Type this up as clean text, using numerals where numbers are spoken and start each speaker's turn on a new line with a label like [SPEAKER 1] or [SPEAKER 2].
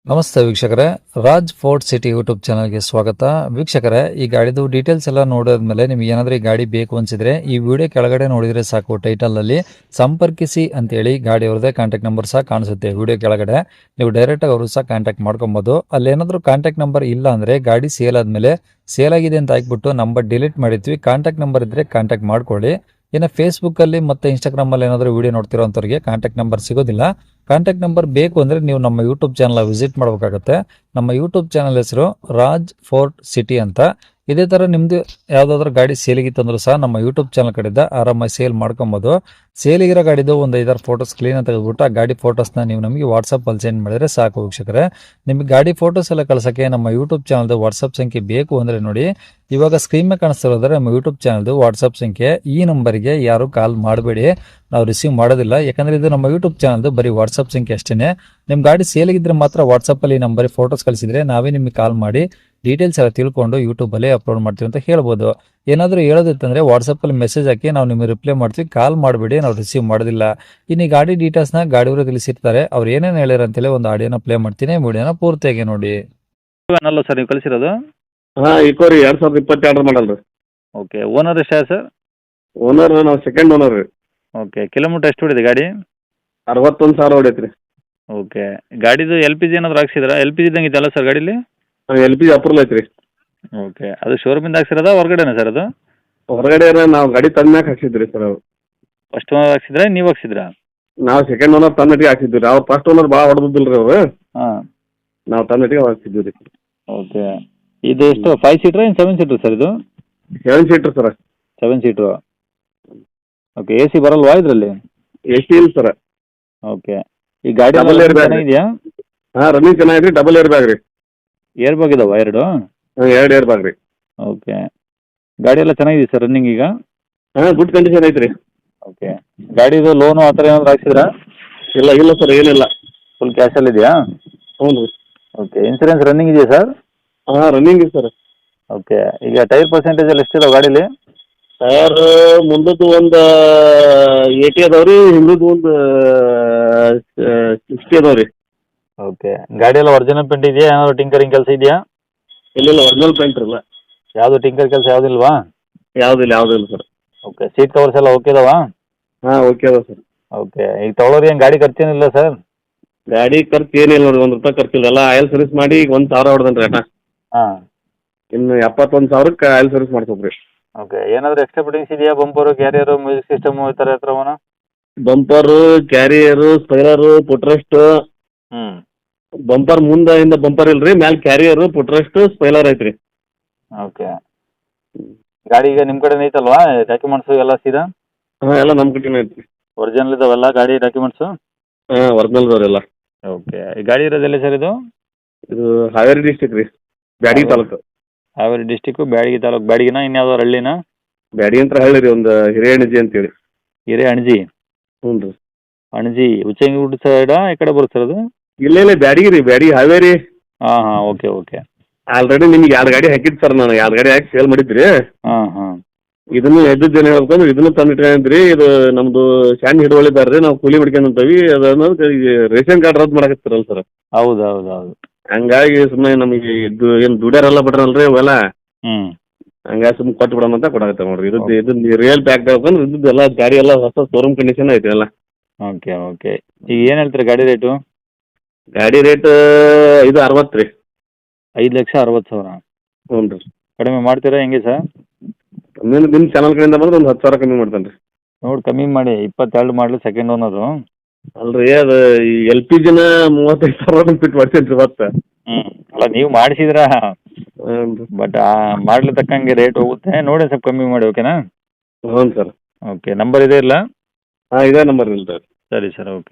[SPEAKER 1] ನಮಸ್ತೆ ವೀಕ್ಷಕರೇ, Raj fort city YouTube ಚಾನಲ್ಗೆ ಸ್ವಾಗತ. ವೀಕ್ಷಕರೇ, ಈ ಗಾಡಿದು ಡೀಟೇಲ್ಸ್ ಎಲ್ಲ ನೋಡಿದ್ಮೇಲೆ ನಿಮ್ಗೆ ಏನಾದರೂ ಈ ಗಾಡಿ ಬೇಕು ಅನ್ಸಿದ್ರೆ ಈ ವಿಡಿಯೋ ಕೆಳಗಡೆ ನೋಡಿದ್ರೆ ಸಾಕು, ಟೈಟಲಲ್ಲಿ ಸಂಪರ್ಕಿಸಿ ಅಂತೇಳಿ ಗಾಡಿ ಅವ್ರದ್ದೇ ಕಾಂಟ್ಯಾಕ್ಟ್ ನಂಬರ್ ಸಹ ಕಾಣಿಸುತ್ತೆ. ವಿಡಿಯೋ ಕೆಳಗಡೆ ನೀವು ಡೈರೆಕ್ಟಾಗಿ ಅವರು ಸಹ ಕಾಂಟ್ಯಾಕ್ಟ್ ಮಾಡ್ಕೊಬೋದು. ಅಲ್ಲೇನಾದರೂ ಕಾಂಟ್ಯಾಕ್ಟ್ ನಂಬರ್ ಇಲ್ಲ ಅಂದರೆ ಗಾಡಿ ಸೇಲ್ ಆದಮೇಲೆ ಸೇಲ್ ಆಗಿದೆ ಅಂತ ಹಾಕ್ಬಿಟ್ಟು ನಂಬರ್ ಡಿಲೀಟ್ ಮಾಡಿರ್ತೀವಿ. ಕಾಂಟ್ಯಾಕ್ಟ್ ನಂಬರ್ ಇದ್ದರೆ ಕಾಂಟ್ಯಾಕ್ಟ್ ಮಾಡ್ಕೊಳ್ಳಿ. ಇನ್ನು ಫೇಸ್ಬುಕ್ಕಲ್ಲಿ ಮತ್ತು ಇನ್ಸ್ಟಾಗ್ರಾಮಲ್ಲಿ ಏನಾದರೂ ವಿಡಿಯೋ ನೋಡ್ತಿರೋಂಥವ್ರಿಗೆ ಕಾಂಟ್ಯಾಕ್ಟ್ ನಂಬರ್ ಸಿಗೋದಿಲ್ಲ. ಕಾಂಟ್ಯಾಕ್ಟ್ ನಂಬರ್ ಬೇಕು ಅಂದರೆ ನೀವು ನಮ್ಮ ಯೂಟ್ಯೂಬ್ ಚಾನಲ್ ವಿಸಿಟ್ ಮಾಡಬೇಕಾಗತ್ತೆ. ನಮ್ಮ ಯೂಟ್ಯೂಬ್ ಚಾನಲ್ ಹೆಸರು ರಾಜ್ ಫೋರ್ಟ್ ಸಿಟಿ ಅಂತ. ಇದೇ ಥರ ನಿಮ್ಮದು ಯಾವುದಾದ್ರೂ ಗಾಡಿ ಸೇಲಿಗಿತ್ತಂದ್ರೂ ಸಹ ನಮ್ಮ ಯೂಟ್ಯೂಬ್ ಚಾನಲ್ ಕಡೆಯಿಂದ ಆರಾಮಾಗಿ ಸೇಲ್ ಮಾಡ್ಕೊಬೋದು. ಸೇಲಿಗಿರೋ ಗಾಡಿದು ಒಂದು 5-6 ಫೋಟೋಸ್ ಕ್ಲೀನಾಗಿ ತೆಗೆದುಬಿಟ್ಟು ಆ ಗಾಡಿ ಫೋಟೋಸ್ನ ನೀವು ನಮಗೆ ವಾಟ್ಸಪ್ಪಲ್ಲಿ ಸೆಂಡ್ ಮಾಡಿದರೆ ಸಾಕು ವೀಕ್ಷಕರೇ. ನಿಮಗೆ ಗಾಡಿ ಫೋಟೋಸ್ ಎಲ್ಲ ಕಳ್ಸೋಕ್ಕೆ ನಮ್ಮ ಯೂಟ್ಯೂಬ್ ಚಾನಲ್ದು ವಾಟ್ಸಪ್ ಸಂಖ್ಯೆ ಬೇಕು ಅಂದರೆ ನೋಡಿ, ಇವಾಗ ಸ್ಕ್ರೀನ್ ಮೇಲೆ ಕಾಣಿಸ್ತಿರೋದ್ರೆ ನಮ್ಮ ಯೂಟ್ಯೂಬ್ ಚಾನಲ್ದು ವಾಟ್ಸಪ್ ಸಂಖ್ಯೆ. ಈ ನಂಬರಿಗೆ ಯಾರು ಕಾಲ್ ಮಾಡಬೇಡಿ, ನಾವು ರಿಸೀವ್ ಮಾಡೋದಿಲ್ಲ. ಯಾಕಂದರೆ ಇದು ನಮ್ಮ ಯೂಟ್ಯೂಬ್ ಚಾನಲ್ದು ಬರೀ ವಾಟ್ಸಪ್ ಸಂಖ್ಯೆ ಅಷ್ಟೇ. ನಿಮ್ಮ ಗಾಡಿ ಸೇಲಿಗಿದ್ರೆ ಮಾತ್ರ ವಾಟ್ಸಪ್ಪಲ್ಲಿ ಈ ನಂಬರಿಗೆ ಫೋಟೋಸ್ ಕಳಿಸಿದರೆ ನಾವೇ ನಿಮಗೆ ಕಾಲ್ ಮಾಡಿ ಡೀಟೇಲ್ಸ್ ಎಲ್ಲ ತಿಳ್ಕೊಂಡು ಯೂಟ್ಯೂಬಲ್ಲಿ ಅಪ್ಲೋಡ್ ಮಾಡ್ತೀವಿ ಅಂತ ಹೇಳ್ಬೋದು. ಏನಾದರೂ ಹೇಳೋದಿತ್ತಂದರೆ ವಾಟ್ಸಪ್ಪಲ್ಲಿ ಮೆಸೇಜ್ ಹಾಕಿ ನಾವು ನಿಮಗೆ ರಿಪ್ಲೈ ಮಾಡ್ತೀವಿ. ಕಾಲ್ ಮಾಡಬೇಡಿ, ನಾವು ರಿಸೀವ್ ಮಾಡೋದಿಲ್ಲ. ಇನ್ನು ಈ ಗಾಡಿ ಡೀಟೇಲ್ಸ್ನ ಗಾಡಿಯವರು ತಿಳಿಸಿರ್ತಾರೆ, ಅವ್ರು ಏನೇನು ಹೇಳ್ಯಾರ ಅಂತೇಳಿ ಒಂದು ಆಡಿಯೋನ ಪ್ಲೇ ಮಾಡ್ತೀನಿ, ವಿಡಿಯೋನ ಪೂರ್ತಿಯಾಗಿ ನೋಡಿ.
[SPEAKER 2] ಅಲ್ಲ ಸರ್ ನೀವು ಕಳಿಸಿರೋದು?
[SPEAKER 3] ಹಾಂ, ಇಕೋರಿ 2022 ಮಾಡಲ್ ರೀ.
[SPEAKER 2] ಓಕೆ, ಓನರ್ ಎಷ್ಟು ಸರ್?
[SPEAKER 3] ಓನರ್ ನಾವು ಸೆಕೆಂಡ್ ಓನರ್ ರೀ.
[SPEAKER 2] ಓಕೆ, ಕಿಲೋಮೀಟ್ರ್ ಎಷ್ಟು ಹೊಡಿದೆ ಗಾಡಿ?
[SPEAKER 3] 61,000 ಹೊಡೈತೆ ರೀ.
[SPEAKER 2] ಓಕೆ, ಗಾಡಿದು ಎಲ್ ಪಿ ಜಿ ಏನಾದ್ರು ಹಾಕ್ಸಿದ್ರಾ? ಎಲ್ ಪಿ ಜಿ ಇದ್ದಂಗೆ ಇದೆಯಲ್ಲ ಸರ್ ಗಾಡೀಲಿ?
[SPEAKER 3] LPG ಅಪ್ರೂವಲ್ ಐತೆ ರೀ.
[SPEAKER 2] ಓಕೆ, ಅದು ಶೋರೂಮಿಂದ ಹಾಕ್ಸಿರೋದ ಹೊರಗಡೆನಾ ಸರ್ ಅದು?
[SPEAKER 3] ಹೊರಗಡೆ ನಾವು ಗಾಡಿ ತಂದ್ಮ್ಯಾಕ ಹಾಕ್ಸಿದ್ರಿ ಸರ್. ಅವ್ರು
[SPEAKER 2] ಫಸ್ಟ್ ಓನರ್ ಹಾಕ್ಸಿದ್ರಾ ನೀವು ಹಾಕ್ಸಿದ್ರಾ?
[SPEAKER 3] ನಾವು ಸೆಕೆಂಡ್ ಓನರ್ ತಂದಟಿಗೆ ಹಾಕ್ಸಿದ್ವಿ ರೀ. ಅವ್ರು ಫಸ್ಟ್ ಓನರ್ ಭಾಳ ಹೊಡೆದಿಲ್ಲ ರೀ ಅವರು.
[SPEAKER 2] ಹಾಂ,
[SPEAKER 3] ನಾವು ತಂದಟಿಗೆ ಹಾಕ್ಸಿದ್ವಿ ರೀ.
[SPEAKER 2] ಓಕೆ. ಇದು ಎಷ್ಟು 5 ಸೀಟ್ರಾ ಏನು 7 ಸೀಟ್ರ್ ಸರ್ ಇದು?
[SPEAKER 3] 7 seater sir.
[SPEAKER 2] 7 seater. Okay, A C ಬರಲ್ವಾ ಇದರಲ್ಲಿ?
[SPEAKER 3] AC ಇಲ್ಲ ಸರ್.
[SPEAKER 2] ಓಕೆ, ಈ ಗಾಡಿ
[SPEAKER 3] Double air bag.
[SPEAKER 2] ಚೆನ್ನಾಗಿದೆಯಾ?
[SPEAKER 3] ಹಾಂ, ರನ್ನಿಂಗ್ ಚೆನ್ನಾಗಿದೆ ರೀ. ಡಬಲ್ ಏರ್ ಬ್ಯಾಗ್ ರೀ.
[SPEAKER 2] ಏರ್ ಬ್ಯಾಗ್ ಇದಾವ ಎರಡು?
[SPEAKER 3] ಹಾಂ, 2 ಏರ್ ಬ್ಯಾಗ್ ರೀ.
[SPEAKER 2] ಓಕೆ, ಗಾಡಿ ಎಲ್ಲ ಚೆನ್ನಾಗಿದೆ ಸರ್ ರನ್ನಿಂಗ್ ಈಗ?
[SPEAKER 3] ಹಾಂ, ಗುಡ್ ಕಂಡೀಷನ್ ಐತೆ ರೀ.
[SPEAKER 2] ಓಕೆ, ಗಾಡಿದು ಲೋನು ಆ ಥರ ಏನಾದ್ರು ಹಾಕ್ಸಿದ್ರಾ?
[SPEAKER 3] ಇಲ್ಲ ಸರ್, ಏನಿಲ್ಲ.
[SPEAKER 2] ಫುಲ್ ಕ್ಯಾಶಲ್ಲಿ ಇದೆಯಾ?
[SPEAKER 3] ಹ್ಞೂ ರೀ.
[SPEAKER 2] ಓಕೆ, ಇನ್ಸೂರೆನ್ಸ್ ರನ್ನಿಂಗ್ ಇದೆಯಾ ಸರ್?
[SPEAKER 3] ಹಾಂ, ರನ್ನಿಂಗ್ ಇದೆ ಸರ್.
[SPEAKER 2] ಓಕೆ, ಈಗ ಟೈರ್ ಪರ್ಸೆಂಟೇಜ್ ಎಲ್ಲ ಎಷ್ಟಿದಾವೆ ಗಾಡೀಲಿ?
[SPEAKER 3] ಟೈರ್ ಮುಂದದ್ದು ಒಂದು 80 ಅದಾವೆ ರೀ, ಹಿಂದದ್ದು ಒಂದು 60 ಅದಾವೆ ರೀ.
[SPEAKER 2] ಓಕೆ, ಗಾಡಿ ಎಲ್ಲ ಒರಿಜಿನಲ್ ಪೇಂಟ್ ಇದೆಯಾ? ಏನಾದ್ರು ಟಿಂಕರಿಂಗ್ ಕೆಲಸ ಇದೆಯಾ?
[SPEAKER 3] ಇಲ್ಲ ಒರಿಜಿನಲ್ ಪೇಂಟ್ ಇಲ್ಲ.
[SPEAKER 2] ಯಾವುದು ಟಿಂಕರ್ ಕೆಲಸ ಯಾವುದಿಲ್ವಾ?
[SPEAKER 3] ಯಾವುದಿಲ್ಲ ಸರ್.
[SPEAKER 2] ಓಕೆ, ಸೀಟ್ ಕವರ್ಸ್ ಎಲ್ಲ ಓಕೆ ಇದಾವಾ?
[SPEAKER 3] ಹಾಂ, ಓಕೆ ಅದ ಸರ್.
[SPEAKER 2] ಓಕೆ, ಈಗ ತೊಗೊಳೋರು ಏನು ಗಾಡಿ ಖರ್ಚೇನಿಲ್ಲ ಸರ್?
[SPEAKER 3] ಗಾಡಿ ಖರ್ಚು ಏನಿಲ್ಲ ನೋಡಿ, ₹1 ಖರ್ಚಿಲ್ಲ. ಎಲ್ಲ ಆಯಿಲ್ ಸರ್ವಿಸ್ ಮಾಡಿ ಈಗ 1,000 ಹೊಡೆದನ್ರಿ ಅಣ್ಣ.
[SPEAKER 2] ಹಾಂ.
[SPEAKER 3] ಇನ್ನು 71,000ಕ್ಕೆ ಆಯಿಲ್ ಸರ್ವಿಸ್ ಮಾಡ್ಸೋದ್ರಿ.
[SPEAKER 2] ಓಕೆ, ಏನಾದರೂ ಎಕ್ಸ್ಟ್ರಾ ಫಿಟ್ಟಿಂಗ್ಸ್ ಇದೆಯಾ? ಬಂಪರು, ಕ್ಯಾರಿಯರು, ಮ್ಯೂಸಿಕ್ ಸಿಸ್ಟಮು ಈ ಥರ ಹತ್ರವನ?
[SPEAKER 3] Bumper, carrier, spare, footrest.
[SPEAKER 2] ಹ್ಞೂ.
[SPEAKER 3] ಬಂಪರ್ ಮುಂದಿಂದ ಬಂಪರ್ ಇಲ್ರಿ, ಮ್ಯಾಲೆ ಕ್ಯಾರಿಯರು, ಪುಟ್ರೆಸ್ಟ್, ಸ್ಪೈಲರ್ ಐತ್ರಿ.
[SPEAKER 2] ಓಕೆ, ಗಾಡಿ ಈಗ ನಿಮ್ಮ ಕಡೆನೇ ಐತಲ್ವಾ ಡಾಕ್ಯುಮೆಂಟ್ಸು ಎಲ್ಲ ಸೀದಾ?
[SPEAKER 3] ಹಾಂ, ಎಲ್ಲ ನಮ್ಮ ಕಡೆನೇ ಐತ್ರಿ.
[SPEAKER 2] ಒರಿಜಿನಲ್ ಇದಾವಲ್ಲ ಗಾಡಿ ಡಾಕ್ಯುಮೆಂಟ್ಸು?
[SPEAKER 3] ಹಾಂ, ಒರಿಜಿನಲ್ದವ್ರೆಲ್ಲ.
[SPEAKER 2] ಓಕೆ, ಈ ಗಾಡಿ ಇರೋದೆಲ್ಲ ಸರ್ ಇದು?
[SPEAKER 3] ಇದು ಹಾವೇರಿ ಡಿಸ್ಟಿಕ್ ರೀ, ಬ್ಯಾಡಗಿ ತಾಲೂಕು.
[SPEAKER 2] ಹಾವೇರಿ ಡಿಸ್ಟಿಕ್ಕು, ಬ್ಯಾಡಗಿ ತಾಲೂಕು. ಬ್ಯಾಡಗಿನ ಇನ್ಯಾವ್ದಾರು ಹಳ್ಳಿನ?
[SPEAKER 3] ಬ್ಯಾಡಗಿ ಅಂತ ಹಳ್ಳಿ ರೀ, ಒಂದು ಹಿರೇಯಣಜಿ ಅಂತೇಳಿ.
[SPEAKER 2] ಹಿರೇಅಣಜಿ?
[SPEAKER 3] ಹ್ಞೂ ರೀ.
[SPEAKER 2] ಅಣಜಿ ಉಚ್ಚಂಗಿಗುಡ್ಡ ಸೈಡಾ ಈ ಕಡೆ ಬರುತ್ತೆ ಸರ್ ಅದು?
[SPEAKER 3] ಇಲ್ಲ ಬ್ಯಾಡಗಿ ರೀ, ಬ್ಯಾಡಗಿ ಹಾವೇರಿ.
[SPEAKER 2] ಹಾಂ, ಓಕೆ.
[SPEAKER 3] ಆಲ್ರೆಡಿ ನಿಮ್ಗೆ 2 ಗಾಡಿ ಹಾಕಿದ್ದು ಸರ್, ನಾನು 2 ಗಾಡಿ ಹಾಕಿ ಸೇಲ್ ಮಾಡಿದ್ರಿ.
[SPEAKER 2] ಹಾಂ.
[SPEAKER 3] ಇದನ್ನು ಎದ್ದಿದ್ದೇನೆ ಹೇಳ್ಬೇಕಂದ್ರೆ ಇದನ್ನು ತಂದಿಟ್ಕೊಂಡ್ರಿ. ಇದು ನಮ್ದು ಶಾನ್ ಹಿಡುವಳಿದಾರ ರೀ, ನಾವು ಕೂಲಿ ಮಾಡ್ಕೊಂತೀವಿ. ಅದನ್ನೋದು ರೇಷನ್ ಕಾರ್ಡ್ ರದ್ದು ಮಾಡಕತ್ತಿರಲ್ಲ ಸರ್.
[SPEAKER 2] ಹೌದು.
[SPEAKER 3] ಹಂಗಾಗಿ ಸುಮ್ಮನೆ ನಮಗೆ ಇದು ಏನು ದುಡ್ಯಾರೆಲ್ಲ ಬಿಟ್ರಲ್ರಿ ಅವೆಲ್ಲ,
[SPEAKER 2] ಹ್ಞೂ.
[SPEAKER 3] ಹಂಗಾಗಿ ಸುಮ್ಮನೆ ಕೊಟ್ಟು ಬಿಡೋಣ ಅಂತ ಕೊಡಾಕತ್ತ ನೋಡ್ರಿ. ಇದು ರಿಯಲ್ ಪ್ಯಾಕ್ ಆಗ್ಬೇಕಂದ್ರೆ ಇದ್ದು ಎಲ್ಲ ಗಾಡಿ ಎಲ್ಲ ಹೊಸ ಶೋರೂಮ್ ಕಂಡೀಷನ್ ಐತೆ ಎಲ್ಲ.
[SPEAKER 2] ಓಕೆ. ಈಗ ಏನು ಹೇಳ್ತೀರಿ ಗಾಡಿ ರೇಟು?
[SPEAKER 3] ಗಾಡಿ ರೇಟ್ ಇದು 60 ರೀ.
[SPEAKER 2] 5,60,000?
[SPEAKER 3] ಹ್ಞೂ ರೀ.
[SPEAKER 2] ಕಡಿಮೆ ಮಾಡ್ತೀರಾ ಹೆಂಗೆ ಸರ್?
[SPEAKER 3] ನಿಮ್ಮ ಚಾನಲ್ ಕಡೆಯಿಂದ ಬಂದ್ರೆ ಒಂದು 10,000 ಕಮ್ಮಿ ಮಾಡ್ತಾನೆ ರೀ.
[SPEAKER 2] ನೋಡಿ ಕಮ್ಮಿ ಮಾಡಿ. 22 ಮಾಡಲಿ, ಸೆಕೆಂಡ್ ಓನರು.
[SPEAKER 3] ಅಲ್ರಿ, ಅದು ಈ LPGನ 35,000 ಫಿಟ್ ಮಾಡ್ತೇನೆ ರೀ ಮತ್ತೆ.
[SPEAKER 2] ಅಲ್ಲ ನೀವು ಮಾಡಿಸಿದ್ರಾ,
[SPEAKER 3] ಹ್ಞೂ ರೀ.
[SPEAKER 2] ಬಟ್ ಮಾಡ್ಲಿ ತಕ್ಕಂಗೆ ರೇಟ್ ಹೋಗುತ್ತೆ. ನೋಡಿ ಸ್ವಲ್ಪ ಕಮ್ಮಿ ಮಾಡಿ, ಓಕೆನಾ?
[SPEAKER 3] ಹ್ಞೂ ಸರ್.
[SPEAKER 2] ಓಕೆ, ನಂಬರ್ ಇದೆ ಇಲ್ಲ?
[SPEAKER 3] ಹಾಂ, ಇದೇ ನಂಬರ್ ಇಲ್ಲ ಸರ್.
[SPEAKER 2] ಸರಿ ಸರ್, ಓಕೆ.